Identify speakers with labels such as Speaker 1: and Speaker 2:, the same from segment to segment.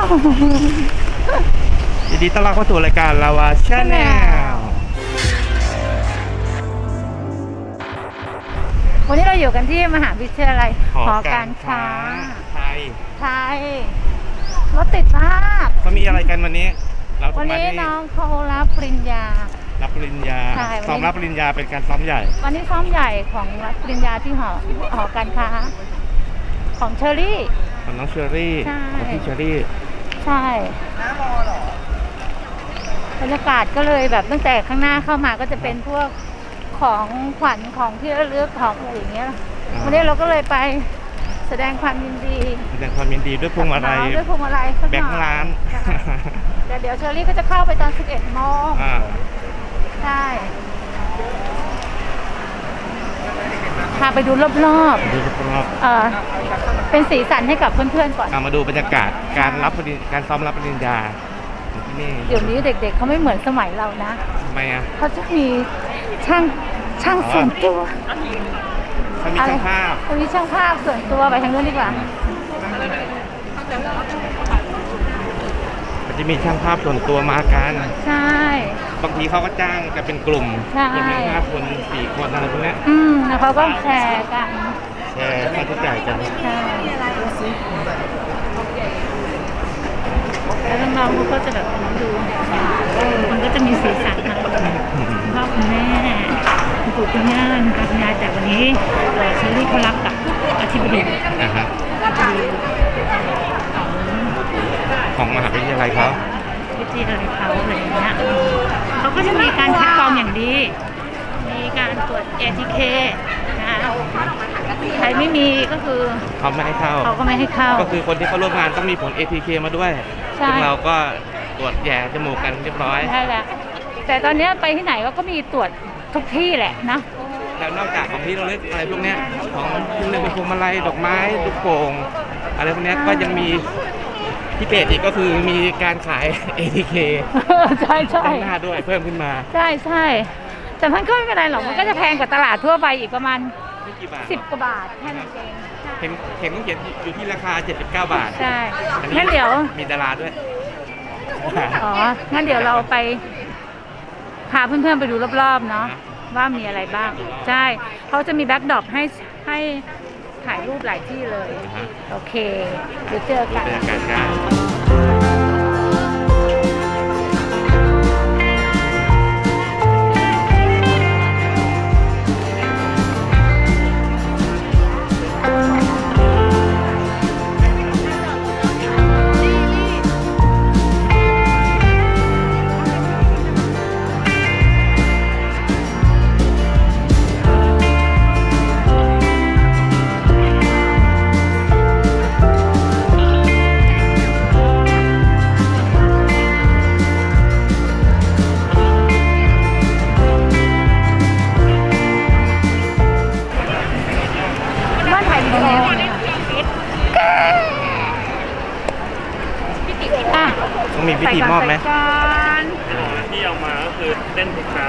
Speaker 1: ยินดีต้อนรับเข้าสู่รายการลาวาชาแนล
Speaker 2: วันนี้เราอยู่กันที่มหาวิทยาลัย
Speaker 1: หอการค้าไทย
Speaker 2: รถติดมาก
Speaker 1: เขามีอะไรกันวันนี้
Speaker 2: วันนี้น้องเขารับปริญญา
Speaker 1: ซ้อมรับปริญญาเป็นการซ้อมใหญ่
Speaker 2: วันนี้ซ้อมใหญ่ของรับปริญญาที่หอการค้าของเชอรี่
Speaker 1: ของน้องเชอรี่ของพี่เชอรี่
Speaker 2: ใช่บรรยากาศก็เลยแบบตั้งแต่ข้างหน้าเข้ามาก็จะเป็นพวกของขวัญของที่ระลึกของอะไรอย่างเงี้ยวันนี้เราก็เลยไปแสดงความยินดี
Speaker 1: ด้วยพวงมาลัยแบงค์ร้าน
Speaker 2: แต่เดี๋ยวเชอรี่ก็จะเข้าไปตอน 11 โมงใช่พาไปดูรอบๆเป็นสีสันให้กับเพื่อนๆก่อน
Speaker 1: มาดูบรรยากาศการซ้อมรับปริญญาที่นี่
Speaker 2: เดี๋ยวนี้เด็กๆเขาไม่เหมือนสมัยเรานะ
Speaker 1: ทำไมอ่ะ
Speaker 2: เขาจะมีช่างส่วนตัว
Speaker 1: เขามีช่างภาพ
Speaker 2: ส่วนตัวไปทางนู้นดีกว่า
Speaker 1: มันจะมีช่างภาพส่วนตัวมากัน
Speaker 2: ใช่
Speaker 1: บางทีเขาก็จ้างกันเป็นกลุ่มจะมี5 คน 4 คนอะไรพวกนี้
Speaker 2: แล้วเขาก็แชร์กัน
Speaker 1: ค่าใช้จ่ายกัน
Speaker 2: ใช่แล้วน้องๆเขาก็จะแบบดูมันก็จะมีสีสันนะพ่อคุณแม่คุณปู่คุณย่าคุณยายแต่วันนี้เชอรี่เขารับกับอธิบดี
Speaker 1: ของมหาวิทยาลัยเขา
Speaker 2: อะไรอย่างเงี้ยเขาก็จะมีการคัดกรองอย่างดีมีการตรวจ ATK นะใครไม่มีก็คือ
Speaker 1: เขาไม่ให้เข้าก็คือคนที่เข้าร่วมงานต้องมีผล ATK มาด้วยซึ่งเราก็ตรวจแย่จมูกกันเรียบร้อย
Speaker 2: ใช่แล้วแต่ตอนนี้ไปที่ไหนก็มีตรวจทุกที่แหละนะ
Speaker 1: แล้วนอกจากของที่เราเลือกอะไรพวกนี้ของที่เลือกเป็นพวงมาลัยดอกไม้ลูกโป่งอะไรพวกนี้ก็ยังมีที่เพจอีกก็คือมีการขาย ATK
Speaker 2: ใช่
Speaker 1: หน้าด้วยเพิ่มขึ้นมา
Speaker 2: ใช่แต่มันก็ไม่เป็นไรหรอกมันก็จะแพงกว่าตลาดทั่วไปอีกประมาณ10 กว่าบาทแค่นั้นเอง
Speaker 1: เห็นต้องเขียนอยู่ที่ราคา79 บาท
Speaker 2: ใช่งั้นเดี๋ยว
Speaker 1: มีดาราด้วย
Speaker 2: งั้นเดี๋ยวเราไปพาเพื่อนๆไปดูรอบๆเนาะว่ามีอะไรบ้างใช่เขาจะมีแบ็คดรอปให้ถ่ายรูปหลายที่เลยโอเคเดี๋ยวเจอกัน
Speaker 1: ต้องมีพิธีมอบไหม
Speaker 3: ที่เอามาก็คือเต้นทุกเช้า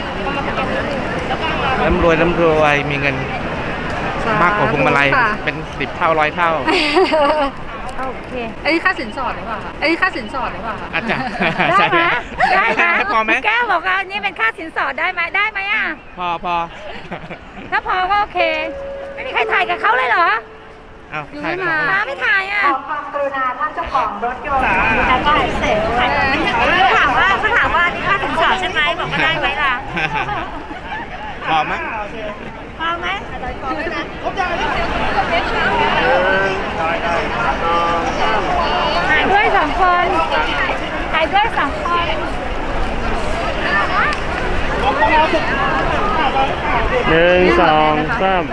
Speaker 1: ร่ำรวยมีเงินมากกว่าพวงมาลัยเป็น10 เท่า100 เท่า
Speaker 2: โอเคอันนี้ค่าสินสอดหรือเปล่า
Speaker 1: อาจารย์
Speaker 2: ได้ไหม
Speaker 1: พอไหม
Speaker 2: แก้วบอกว่านี่เป็นค่าสินสอดได้ไหมอ่ะ
Speaker 1: พอ
Speaker 2: ถ้าพอก็โอเคไม่มีใครถ่ายกับเขาเลยเหรอ
Speaker 1: อยู่ไม่
Speaker 2: ไม่ถ่ายอ่ะ
Speaker 4: ความกรุณาท่านเจ้าของรถยนต์
Speaker 2: แล้วก็เสร็จเขาถามว่านี่ค่าสินสอดใช่ไหมบอกว่าได้ไหมล่ะ
Speaker 1: พอไหม
Speaker 2: ถ่ายด้วย2 คน
Speaker 3: 1 2 3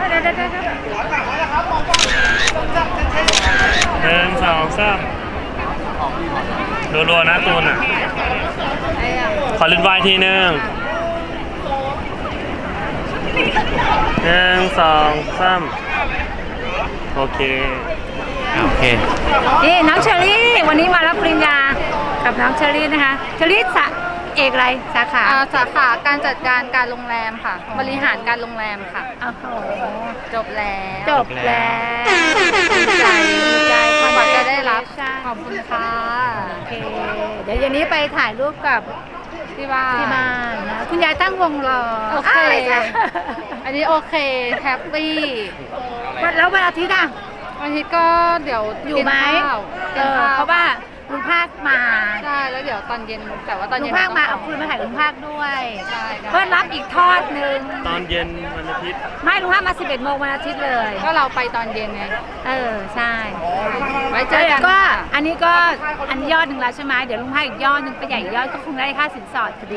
Speaker 3: รัวๆนะตูนอ่ะขอลิ้นวายทีนึง1 2 3โอเค
Speaker 2: นี่น้องเชอรี่วันนี้มารับปริญญากับน้องเชอรี่นะคะเชอรี่เอกอะไรสาขา
Speaker 4: การจัดการการโรงแรมค่ะบริหารการโรงแรมค่ะจบแล้ว
Speaker 2: ดีใจกว่าจะได้
Speaker 4: ครับ
Speaker 2: ใช่
Speaker 4: ขอบคุณค่ะ
Speaker 2: โอเค เดี๋ยวเย็นนี้ไปถ่ายรูปกับ
Speaker 4: ที่บ้าน
Speaker 2: ที่บ้านนะคุณยายตั้งวงรอ
Speaker 4: โอเค
Speaker 2: ะไรจ้ะ
Speaker 4: อันนี้โอเคแฮปปี้
Speaker 2: แล้ววันอาทิตย์อ่ะ
Speaker 4: วันอาทิตย์ก็เดี๋ยว
Speaker 2: อยู่ไหม
Speaker 4: กินข้าว
Speaker 2: เพราะว่าลุงภาคมา
Speaker 4: ใช่แล้วเดี๋ยวตอนเย็นแต่ว่าตอน
Speaker 2: ลุ
Speaker 4: เย็
Speaker 2: ง
Speaker 4: น
Speaker 2: ภาคมา
Speaker 4: ต้
Speaker 2: เอา
Speaker 4: ง
Speaker 2: คืนมาถ่ายลุงภาคด้วย
Speaker 4: ใช่ได้
Speaker 2: เพื่อรับอีกทอดหนึ่ง
Speaker 3: ตอนเย็นวันอาทิตย์
Speaker 2: ไม่ลุงภาคมา 11 โมงวันอาทิตย์เลย
Speaker 4: ก็เราไปตอนเย็นไง
Speaker 2: ใช่
Speaker 4: ไว้เจอกัน
Speaker 2: ก็อันนี้ก็อันยอดหนึ่งแล้วใช่ไหมเดี๋ยวลุงภาคอีกยอดหนึ่งไปใหญ่อีกยอดก็คงได้ค่าสินสอดพอดี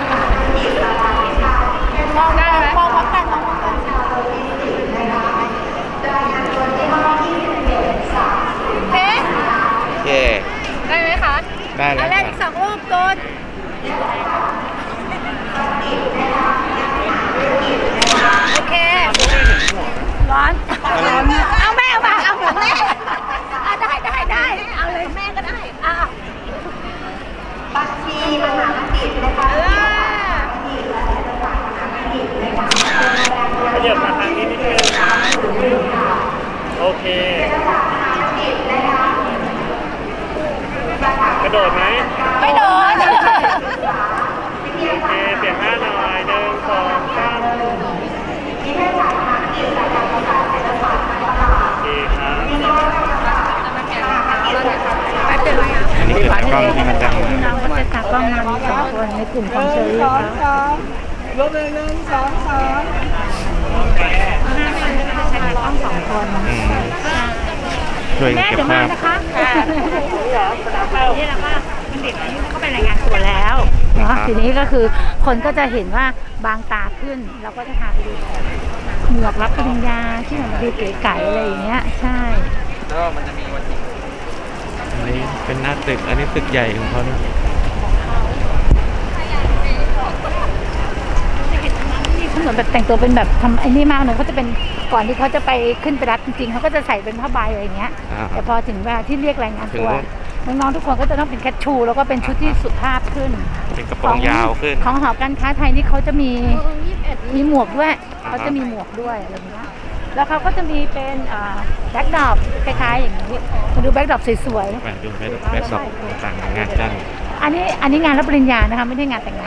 Speaker 4: มองได้ไหม
Speaker 2: มองพร้อมกันเอ๊ะ
Speaker 1: โอเค
Speaker 4: ได้ไหมคะ
Speaker 1: ได้แล้
Speaker 2: อั
Speaker 1: วน
Speaker 2: แร
Speaker 1: ค่ะ
Speaker 2: กอีก2 รูปตูนโอเค ร้อน เอาแม่มาเอาของแม่ได้เอาเลยแม่ก็ได้บัญชีมหาบัณฑิตนะคะ
Speaker 3: ขยับมาทางนี้นิดนึงโอเคกระโดดไหม
Speaker 2: ไม่โดน
Speaker 3: โอเคเปลี่ยนหน้าหน่อย1 2 3โอเคครับ
Speaker 2: ไปเป็นไรอ่ะ
Speaker 1: อันนี้คือตากล้องที่มาจาก
Speaker 2: พี่น้องก็จะตากล้องมามี2 คนในกลุ่มของเชอรี่เขาใช้ตากล้อง2 คน
Speaker 1: ช่วย
Speaker 2: แม่
Speaker 1: เก็บ
Speaker 2: เดี๋ยวมา
Speaker 1: ภาพ
Speaker 2: นะคะนี่แหละว่ามันเด็กอันนี้มันก็ไปรายงานตัวแล้วเนาะทีนี้ก็คือคนก็จะเห็นว่าบางตาขึ้นเราก็จะพาไปดูหมวกรับปริญญาที่มันดูเก๋ไก๋อะไรอย่างเงี้ยใช่
Speaker 1: อันนี้เป็นหน้าตึก อันนี้ตึกใหญ่ของเขานะ
Speaker 2: เขาเหมือนแบบแต่งตัวเป็นแบบทำไอ้นี่มากเลยเขาจะเป็นก่อนที่เขาจะไปขึ้นไปรับจริงๆเขาก็จะใส่เป็นผ้าใบอะไรอย่างเงี้ย แต่พอถึงเวลาที่เรียกรายงานตัวน้องๆทุกคนก็จะต้องเป็นแคชชูแล้วก็เป็นชุดที่สุภาพขึ้น
Speaker 1: เป็นกระโปรงยาวขึ้น
Speaker 2: ของหอการค้าไทยนี่เขาจะมีหมวกด้วยเขาจะมีหมวกด้วยอะไรอย่างเงี้ยแล้วเขาก็จะมีเป็นแบ็คดรอปคล้ายๆอย่างนี้มาดูแบ็คดรอปสวย
Speaker 1: มาดูแบ็คดรอปต่างๆงานกัน
Speaker 2: ๆอันนี้งานรับปริญญานะคะไม่ได้งานแต่งงาน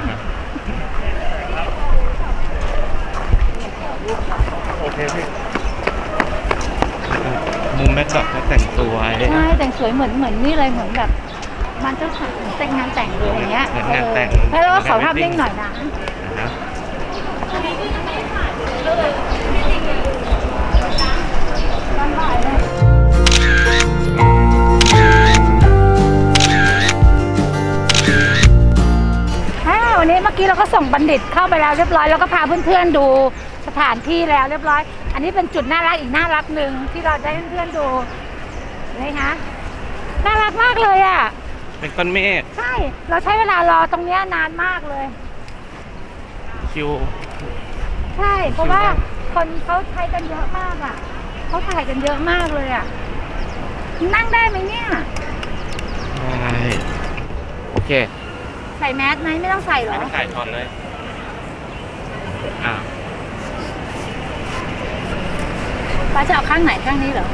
Speaker 3: โอเคพี่
Speaker 1: มุมแบ็คดรอปเขาแต่งตัว
Speaker 2: ใช่แต่งสวยเหมือนนี่เลยเหมือนแบบมันเจ้าสาวแต่งงานแต่งเลยอย่างเงี้ย
Speaker 1: เหมือนงานแต่ง
Speaker 2: แล้วเราก็ขอภาพนิ่งหน่อยนะ
Speaker 1: นะ
Speaker 2: วันนี้เมื่อกี้เราก็ส่งบัณฑิตเข้าไปแล้วเรียบร้อยแล้วก็พาเพื่อนๆดูสถานที่แล้วเรียบร้อย อันนี้เป็นจุดน่ารักอีกน่ารักหนึ่งที่เราได้เพื่อนๆดูนี่คะน่ารักมากเลยอ่ะ
Speaker 1: เป็นก้อนเมฆ
Speaker 2: ใช่เราใช้เวลารอตรงเนี้ยนานมากเลย
Speaker 1: คิว
Speaker 2: ใช่เพราะว่าคนเขาใช้กันเยอะมากอ่ะเขาถ่ายกันเยอะมากเลยอ่ะนั่งได้ไหมเนี่ย
Speaker 1: ได้โอเค
Speaker 2: ใส่แมสไหมไม่ต้องใส่หรอ
Speaker 1: ไม่ถ่ายถอนเลยอ่า
Speaker 2: ป้าจะเอาข้างไหนข้างนี้เหรอ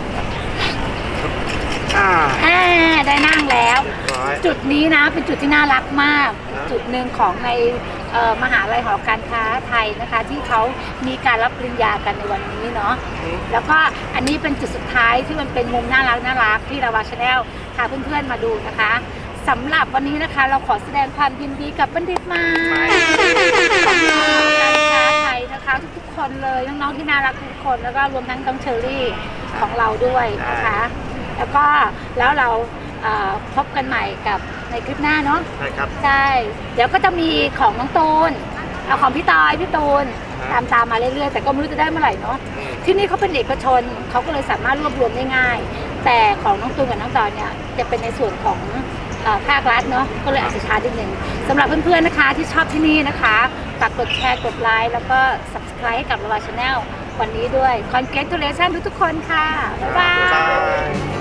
Speaker 2: ได้นั่งแล้ว จุดนี้นะเป็นจุดที่น่ารักมาก จุดหนึ่งของในมหาลัยหอการค้าไทยนะคะ ที่เขามีการรับปริญญากันในวันนี้เนาะแล้วก็อันนี้เป็นจุดสุดท้ายที่มันเป็นมุมน่ารักที่เราวาชาแนลพาเพื่อนๆมาดูนะคะสำหรับวันนี้นะคะเราขอแสดงความยินดีกับบัณฑิตใหม่ของหอการค้าไทยนะคะทุกๆคนเลยน้องๆที่น่ารักทุกคนแล้วก็รวมทั้งน้องเชอรี่ของเราด้วยนะคะแล้วก็แล้วเราพบกันใหม่กับในคลิปหน้าเนาะ
Speaker 3: ใช่ครับ
Speaker 2: ใช่เดี๋ยวก็จะมีของน้องตูนเอาของพี่ตอยพี่ตูนตามมาเรื่อยๆแต่ก็ไม่รู้จะได้เมื่อไหร่เนาะที่นี่เขาเป็นเอกชนเขาก็เลยสามารถรวบรวมได้ง่ายแต่ของน้องตูนกับน้องตอยเนี่ยจะเป็นในส่วนของภาครัฐเนาะก็เลยอาจจะช้านิดนึงสำหรับเพื่อนๆนะคะที่ชอบที่นี่นะคะฝากกดแชร์กดไลค์แล้วก็ subscribe ให้กับ Lava Channel วันนี้ด้วย congratulations ทุกๆคนค่ะบ๊ายบาย